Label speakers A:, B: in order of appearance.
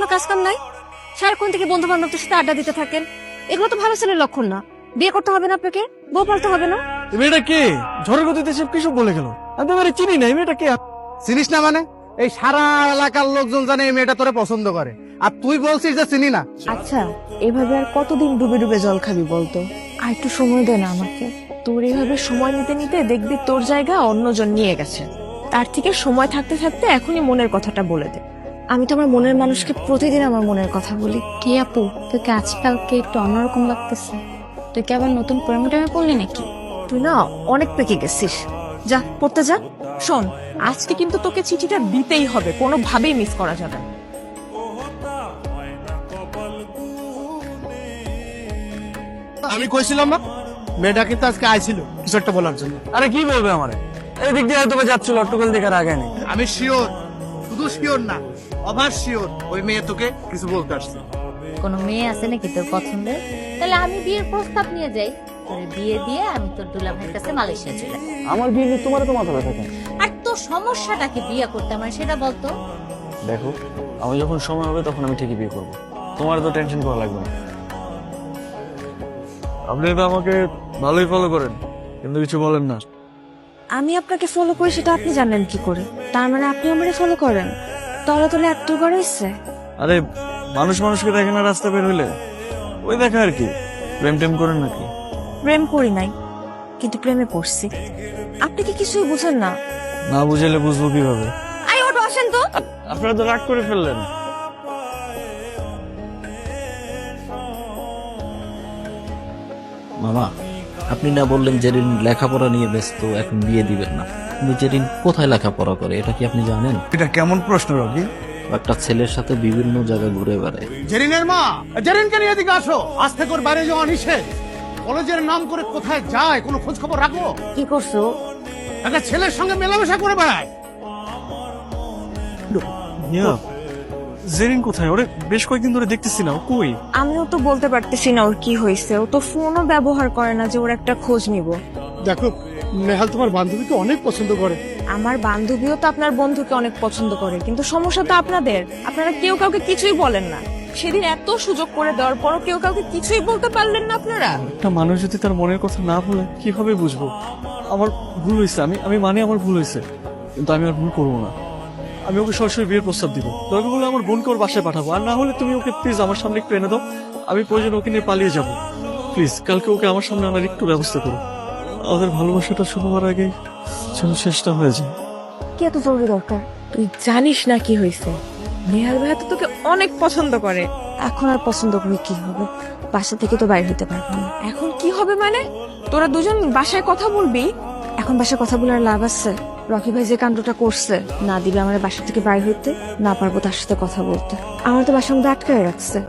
A: কাজ কাম নাই? সারাক্ষণ থেকে বন্ধু বান্ধবদের সাথে আড্ডা দিতে থাকেন, এগুলো তো ভালো ছেলের লক্ষণ না। বিয়ে করতে হবে না আপনাকে, বউ পালতে হবে না।
B: এই মেয়েটা কে? ঝড়ের গতিতে সব কিছু বলে গেল। আমি তো এবারে চিনি না, এই মেয়েটা কে?
C: চিনিস না মানে? এই সারা এলাকার লোকজন জানে এই মেয়েটা তোরে পছন্দ করে, আর তুই বলছিস যে চিনি না।
D: আচ্ছা, এভাবে আর কতদিন ডুবে ডুবে জল খাবি বলতো? আর একটু সময় দে না আমাকে। তোর এইভাবে সময় নিতে নিতে দেখবি তোর জায়গা অন্যজন নিয়ে গেছে। তার থেকে সময় থাকতে থাকতে এখনই মনের কথাটা বলে দে।
A: আমি তো আমার মনের মানুষকে প্রতিদিন আমার মনের কথা বলি।
E: কি আপু, তোকে আজকালকে একটু অন্যরকম লাগতেছে। তুই কি আবার নতুন প্রেমে পড়লি নাকি?
A: তুই না অনেক পেকে গেছিস, যা পড়তে যা।
D: শোন, আজকে কিন্তু তোকে চিঠিটা দিতেই হবে, কোনোভাবেই মিস করা যাবে না।
C: আমি কইছিলাম না মেয়েটা কিন্তু আজকে আইছিল কিছু একটা বলার জন্য।
B: আরে কি বলবে আমারে? এই দিক দিয়ে হয়তো বা যাচ্ছিল, অট্টকল দিকে আর আগে নেই।
C: আমি শিওর, শুধু শিওর না, অভার শিওর ওই মেয়ে তোকে কিছু বলতে আসছে।
E: কোনো মেয়ে আছে নাকি তোর পছন্দের? তাহলে আমি বিয়ের প্রস্তাব নিয়ে যাই, তোর বিয়ে দিয়ে আমি তোর দুলা ভাইয়ের কাছে মালয়েশিয়া চলে যাই।
B: আমার বিয়ে নিয়ে তোমার তো মাথা ব্যথা কেন?
E: আর তোর সমস্যাটাকে বিয়ে করতে আমার সেটা বলতো।
B: দেখো, আমি যখন সময় হবে তখন আমি ঠিকই বিয়ে করবো, তোমার তো টেনশন করা লাগবে না। আপনি তো আমাকে ভালোই ফলো করেন, কিন্তু কিছু বলেন না।
A: আমি আপনাকে ফলো করি সেটা আপনি জানেন কি করে? তার মানে আপনি আমারে ফলো করেন? তলে তলে এত করে ইচ্ছে।
B: আরে মানুষ মানুষকে দেখে না রাস্তা বের হইলে, ওই দেখা আর কি। প্রেম টেম করেন নাকি?
A: প্রেম করি নাই, কিন্তু প্রেমে পড়ছি। আপনি কি কিছুই বুঝেন না?
B: না বুঝাইলে বুঝবো কিভাবে?
A: আই ওটো আসেন তো।
B: আপনারা তো রাগ করে ফেললেন।
F: মামা, আপনি না বললেন জেরিন লেখাপড়া নিয়ে ব্যস্ত, এখন বিয়ে দিবেন না। কিন্তু জেরিন কোথায় লেখাপড়া করে এটা কি আপনি জানেন?
C: এটা কেমন প্রশ্ন রবি?
F: একটা ছেলের সাথে বিভিন্ন জায়গায় ঘুরে বেড়ায়।
C: জেরিনের মা, জেরিনকে নিয়ে এদিকে আসো। আজ থেকে ওর বাইরে যাওয়া নিষেধ। কলেজের নাম করে কোথায় যায় কোনো খোঁজ খবর রাখো?
A: কি করছো?
C: একটা ছেলের সঙ্গে মেলামেশা করে বেড়ায়।
B: জেরিন কোথায়? ওরে বেশ কয়েকদিন ধরে দেখতেছি না, ও কই?
D: আমিও তো বলতে পারতেছি না ওর কি হয়েছে। ও তো ফোনও ব্যবহার করে না যে ওর একটা খোঁজ নিব।
C: দেখো, নেহাল তোমার বান্ধবীকে অনেক পছন্দ করে।
D: আমার বান্ধবীও তো আপনার বন্ধুকে অনেক পছন্দ করে, কিন্তু সমস্যা তো আপনাদের, আপনারা কেউ কাউকে কিছুই বলেন না। সেদিন এত সুযোগ করে দেওয়ার পরও কেউ কাউকে কিছুই বলতে পারলেন না আপনারা।
B: একটা মানুষ যদি তার মনের কথা না বলে কিভাবে বুঝবো? আমার ভুল হয়েছে, আমি মানে আমার ভুল হয়েছে, কিন্তু আমি আর ভুল করবো না। আমি ওকে সরাসরি বিয়ের প্রস্তাব দিব। দরকার হলে আমার বোনকে ওর বাসায় পাঠাবো, আর না হলে তুমি ওকে প্লিজ আমার সামনে একটু এনে দাও। আমি প্রয়োজন ওকে নিয়ে পালিয়ে যাব। প্লিজ কালকে ওকে আমার সামনে আনার একটু ব্যবস্থা করো। আমাদের ভালোবাসাটা শুরু হওয়ার আগে যেন শেষটা হয়ে যায়।
A: কি এত জরুরি দরকার?
D: তুই জানিস না কি হয়েছে? নেহাল ভাইয়া তো তোকে অনেক পছন্দ করে।
A: এখন আর পছন্দ করে কি হবে? বাসা থেকে তো বাইরে হতে পারবো না।
D: এখন কি হবে মানে? তোরা দুজন বাসায় কথা বলবি?
A: এখন বাসায় কথা বলে আর লাভ আছে? রকি ভাই যে কাণ্ডটা করছে, না দিবে আমার বাসা থেকে বাইরে হইতে, না পারবো তার সাথে কথা বলতে। আমার তো বাসার মধ্যে আটকায় রাখছে।